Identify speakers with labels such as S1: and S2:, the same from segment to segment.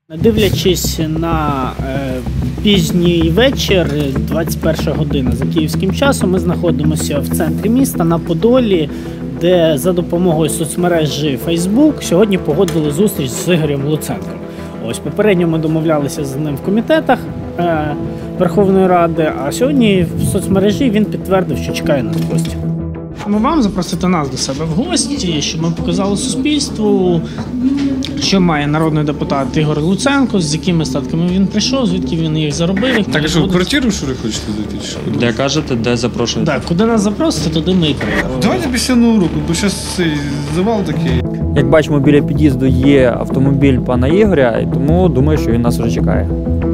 S1: Дивлячись на пізній вечір, 21 година за київським часом, ми знаходимося в центрі міста на Подолі, де за допомогою соцмережі Facebook сьогодні погодили зустріч з Ігорем Луценком. Ось попередньо ми домовлялися з ним в комітетах Верховної Ради, а сьогодні в соцмережі він підтвердив, що чекає нас в гості. Ми вам запросити нас до себе в гості, щоб ми показали суспільству, що має народний депутат Ігор Луценко, з якими статками він прийшов, звідки він їх заробив.
S2: Так що в квартиру, що ви хочете зайти?
S3: Де кажете, де запрошуєте?
S1: Так, куди нас запросите, туди ми і приїдемо.
S2: Давайте після Нового року, бо зараз цей завал такий.
S3: Як бачимо, біля під'їзду є автомобіль пана Ігоря, і тому думаю, що він нас вже чекає.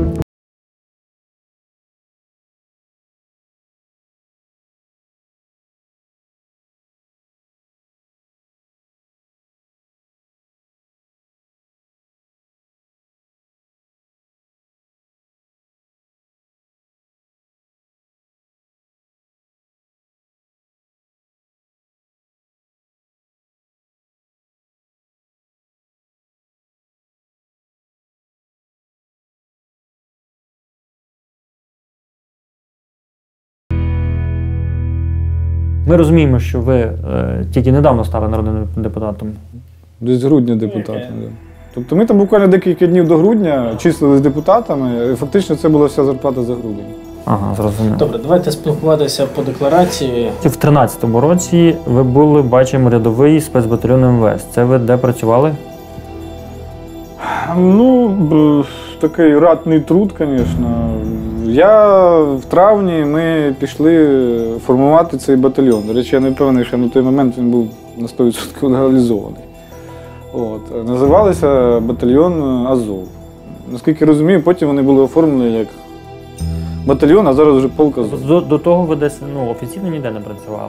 S3: Ми розуміємо, що ви тільки недавно стали народним депутатом.
S2: Десь грудня депутатом. Да. Тобто ми там буквально декілька днів до грудня числились депутатами, і фактично це була вся зарплата за грудень.
S3: Ага, зрозуміло.
S1: Добре, давайте спілкуватися по декларації.
S3: В 13-му році ви були, бачимо, рядовий спецбатальйон МВС. Це ви де працювали?
S2: Ну, такий ратний труд, звісно. В травні ми пішли формувати цей батальйон. До речі, я не впевнений, що на той момент він був на 100% легалізований. Називалися батальйон Азов. Наскільки розумію, потім вони були оформлені як батальйон, а зараз вже полк Азов.
S3: До того ви десь офіційно ніде не працювали?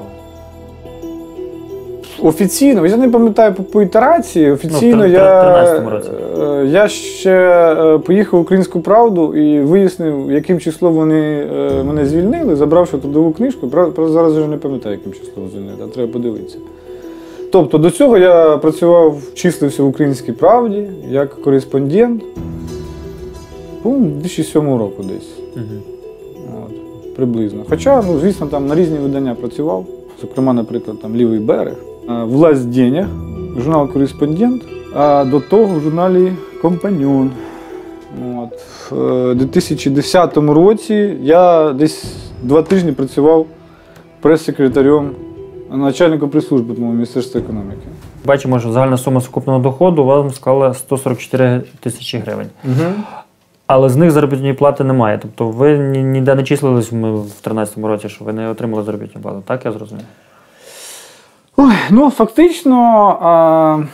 S2: Офіційно, я не пам'ятаю по ітерації, офіційно
S3: в 13-му році.
S2: Я ще поїхав в «Українську правду» і вияснив, яким числом вони мене звільнили, забравши трудову книжку. Правда, зараз вже не пам'ятаю, яким числом звільнили, а треба подивитися. Тобто до цього я працював, числився в «Українській правді» як кореспондент, у 2007 року десь. От, приблизно. Хоча, звісно, там на різні видання працював, зокрема, наприклад, там «Лівий берег», «Власть денег», журнал «Кореспондент», а до того в журналі «Компаньон». От. В 2010 році я десь 2 тижні працював прес-секретарем, начальником прес-служби, по-моєму, Міністерства економіки.
S3: Бачимо, що загальна сума сукупного доходу у вас склала 144 тисячі гривень. Угу. Але з них заробітної плати немає. Тобто ви ніде не числились в 2013 році, що ви не отримали заробітну плату. Так я зрозумів?
S2: Ой, фактично,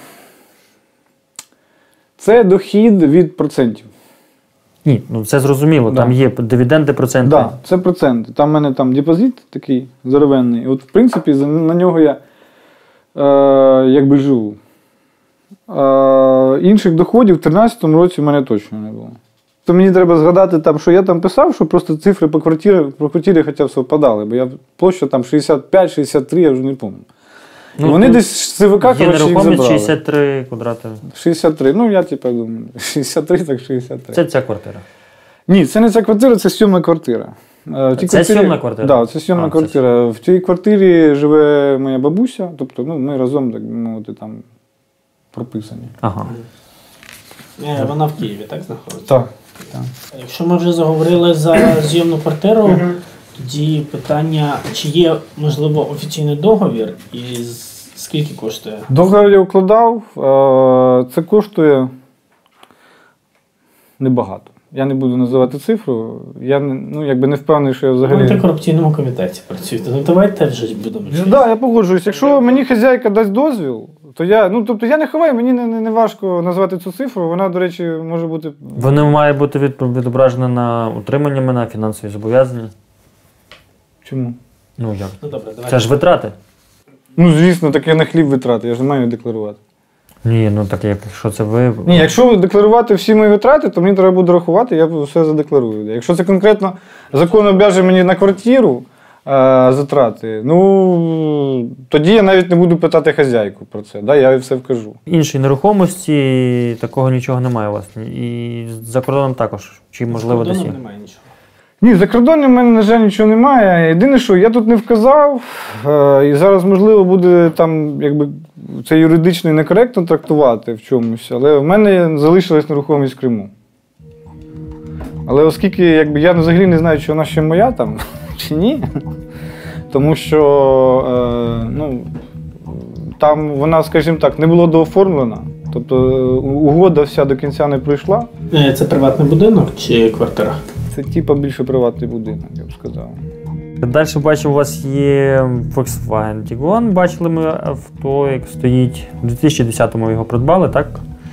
S2: це дохід від процентів.
S3: Ні, це зрозуміло, да. Там є дивіденди, проценти.
S2: Так, да, це проценти. Там в мене там депозит такий здоровенний. От, в принципі, на нього я якби живу. Інших доходів в 2013 році в мене точно не було. То мені треба згадати, там, що я там писав, що просто цифри по квартирі хоча б совпадали, бо я площа там 65-63, я вже не пам'ятаю. Вони десь з ЦВК, коротше, їх забрали. Є нерухомість
S3: 63 квадрати.
S2: 63, я думаю, 63, так 63.
S3: Це ця квартира?
S2: Ні, це не ця квартира, це 7-ма квартира.
S3: Це 7-ма квартира?
S2: Так, це 7-ма квартира. В цій квартирі живе моя бабуся, тобто ми разом, так мовити, там прописані.
S3: Ага.
S1: Вона в Києві, так, знаходиться?
S2: Так.
S1: Якщо ми вже заговорили за зйомну квартиру, тоді питання, чи є, можливо, офіційний договір і скільки коштує?
S2: Договір я укладав, це коштує небагато. Я не буду називати цифру, я не впевнений, що я взагалі...
S1: Ви в антикорупційному комітеті працюєте, давайте вже будемо чути.
S2: Так, я погоджуюсь. Якщо мені хазяйка дасть дозвіл, то я не ховаю, мені не важко назвати цю цифру, вона, до речі, може бути...
S3: Вона має бути відображена на утримання мене, фінансові зобов'язання.
S2: Чому?
S3: Як?
S1: Добре,
S3: це ж витрати.
S2: Звісно, так я на хліб витрати, я ж не маю декларувати.
S3: Ні, так якщо це ви...
S2: Ні, якщо декларувати всі мої витрати, то мені треба буде рахувати, я все задекларую. Якщо це конкретно закон обов'язує мені на квартиру, затрати. Ну, тоді я навіть не буду питати хазяйку про це, да, я їй все вкажу.
S3: Іншої нерухомості такого нічого немає у вас. І за кордоном також. Чи можливо десь?
S1: Немає нічого.
S2: Ні, за кордоном в мене, на жаль, нічого немає. Єдине, що я тут не вказав, і зараз, можливо, буде там, якби, це юридично і некоректно трактувати в чомусь, але в мене залишилась нерухомість в Криму. Але оскільки якби, я взагалі не знаю, чи вона ще моя там, чи ні, тому що ну, там вона, скажімо так, не була дооформлена, тобто угода вся до кінця не пройшла.
S1: Це приватний будинок чи квартира?
S2: Це типа більше приватний будинок, я б сказав.
S3: Далі бачимо, у вас є Volkswagen Tiguan. Бачили ми авто, як стоїть. У 2010-му його придбали, так?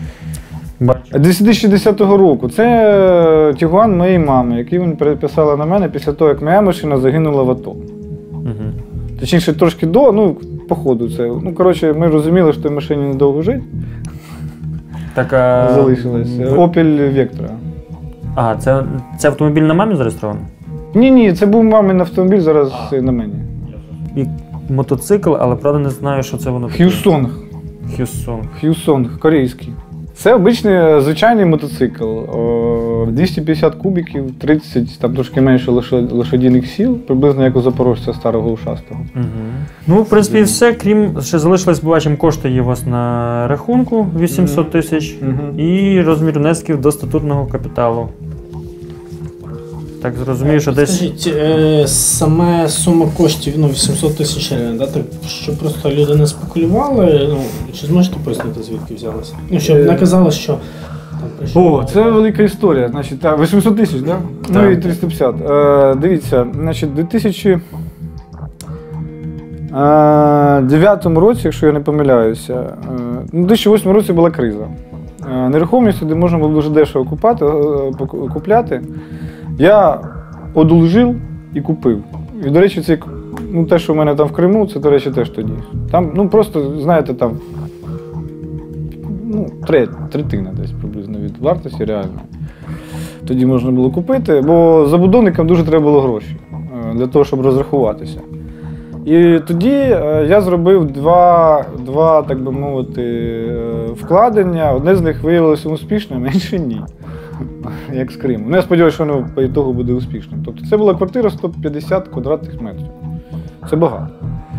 S2: 2010 року. Це Тігуан моєї мами, який він переписала на мене після того, як моя машина загинула в АТО.
S3: Угу.
S2: Точніше, трошки до, ну, по ходу це. Ну, коротше, ми розуміли, що в машині недовго жить.
S3: Так,
S2: залишилось. Opel Vectra.
S3: Ага, це автомобіль на мамі зареєстрований?
S2: Ні, це був мамин автомобіль, зараз на мені.
S3: І мотоцикл, але правда не знаю, що це воно таке.
S2: Х'юсонг. Х'юсонг, корейський. Це обичний звичайний мотоцикл. 250 кубиків, 30, там трошки менше лошадиних сил, приблизно як у запорожця старого ушастого.
S3: Угу. Ну, в принципі, все, крім, ще залишилось, бачимо, кошти є у вас на рахунку 800 тисяч і розмір внесків до статутного капіталу. Так, зрозумію, що десь...
S1: Скажіть, саме сума коштів, 800 тисяч гривень, да? Так, щоб просто люди не спекулювали, чи зможете пояснити, звідки взялося? Ну, щоб не казали, що там прийшло...
S2: О, це велика історія. Значить, 800 тисяч, да? Ну і 350. Дивіться, значить, 2009 році, якщо я не помиляюся, у 2008 році була криза. Нерухомість, де можна було дуже дешево купляти, я одолжив і купив. І, до речі, це, ну, те, що в мене там в Криму, це, до речі, теж тоді. Там, ну, просто, знаєте, там, ну, третина десь приблизно від вартості реально. Тоді можна було купити, бо забудовникам дуже треба було гроші для того, щоб розрахуватися. І тоді я зробив два, так би мовити, вкладення. Одне з них виявилося успішним, а інше ні. Як з Криму. Ну, я сподіваюся, що воно по ітогу буде успішним. Тобто це була квартира 150 квадратних метрів. Це багато.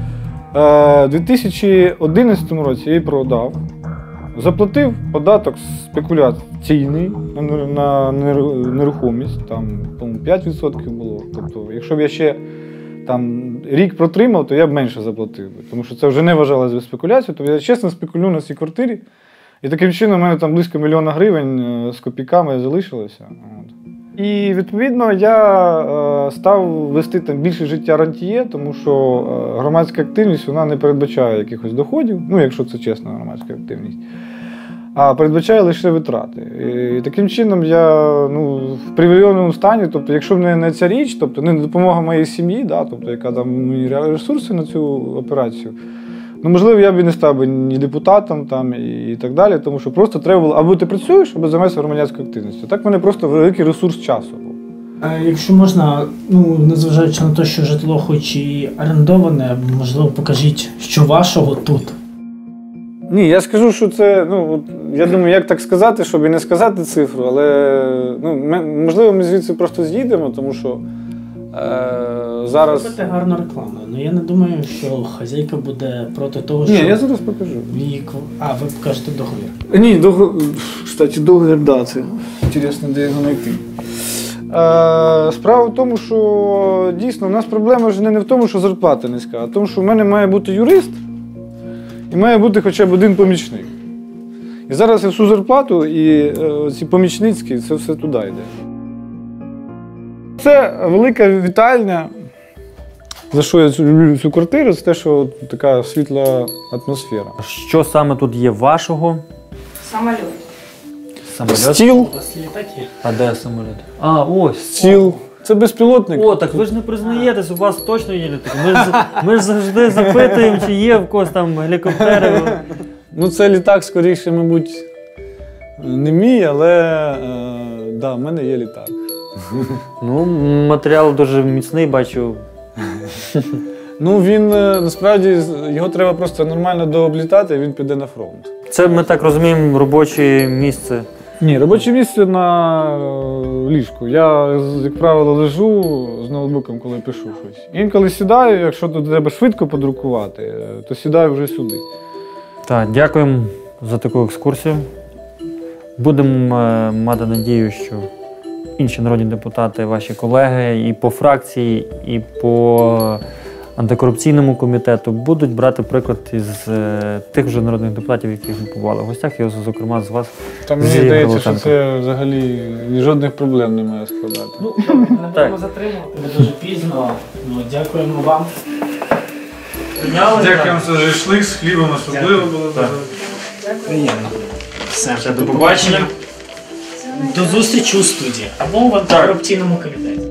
S2: У 2011 році я її продав, заплатив податок спекуляційний на нерухомість, там, по-моєму, 5% було. Тобто, якщо б я ще там рік протримав, то я б менше заплатив. Тому що це вже не вважалося за спекуляцію. Тобто я чесно спекулюю на цій квартирі. І таким чином у мене там близько 1 000 000 гривень з копійками залишилося. І відповідно я став вести там більше життя рантьє, тому що громадська активність вона не передбачає якихось доходів, ну якщо це чесна громадська активність, а передбачає лише витрати. І таким чином я в привілейованому стані, тобто якщо б не ця річ, тобто не допомога моїй сім'ї, да, тобто яка там мені ресурси на цю операцію, можливо, я б і не став би ні депутатом там, і так далі, тому що просто треба було, або ти працюєш, або займаєшся громадянською активністю. Так в мене просто великий ресурс часу був.
S1: Якщо можна, незважаючи на те, що житло хоч і орендоване, можливо, покажіть, що вашого тут.
S2: Ні, я скажу, що це, я думаю, як так сказати, щоб і не сказати цифру, але, можливо, ми звідси просто з'їдемо, тому що зараз...
S1: Робите гарну рекламу, але я не думаю, що хазяйка буде проти того, що...
S2: Ні, я зараз покажу.
S1: Ви покажете договір?
S2: Ні, кстати, договір, да, це інтересно, де його знайти. Справа в тому, що дійсно в нас проблема ж не в тому, що зарплата низька, а в тому, що в мене має бути юрист і має бути хоча б один помічник. І зараз я всю зарплату і ці помічницькі, це все туди йде. Це велика вітальня, за що я люблю цю квартиру, це те, що така світла атмосфера.
S3: Що саме тут є вашого?
S4: Самоліт.
S2: Стіл.
S1: У вас літаки?
S3: А де самоліт? А, ось.
S2: Стіл. Це безпілотник.
S3: О, так ви ж не признаєтесь, у вас точно є літаки. Ми ж завжди запитуємо, чи є в когось там гелікоптери.
S2: Це літак, скоріше, мабуть, не мій, але да, в мене є літак.
S3: Матеріал дуже міцний, бачу.
S2: Ну, він насправді його треба просто нормально дооблітати, і він піде на фронт.
S3: Це, ми так розуміємо, робоче місце.
S2: Ні, робоче місце на ліжку. Я, як правило, лежу з ноутбуком, коли пишу щось. Інколи сідаю, якщо тут треба швидко подрукувати, то сідаю вже сюди.
S3: Так, дякуємо за таку екскурсію. Будемо мати надію, що інші народні депутати, ваші колеги і по фракції, і по антикорупційному комітету будуть брати приклад із тих вже народних депутатів, яких ми побували в гостях, і, зокрема, з вас.
S2: Та мені
S3: Ігор
S2: здається, що
S3: Луценко.
S2: це взагалі жодних проблем не має складати.
S1: Ну, добре, не будемо затримувати. Ви дуже пізно. Ну, дякуємо вам.
S2: Дякуємо, що зайшли, з хлібом особливо було.
S1: Приємно. Все.
S3: До побачення.
S1: До зустрічі у студії або в антикорупційному комітеті.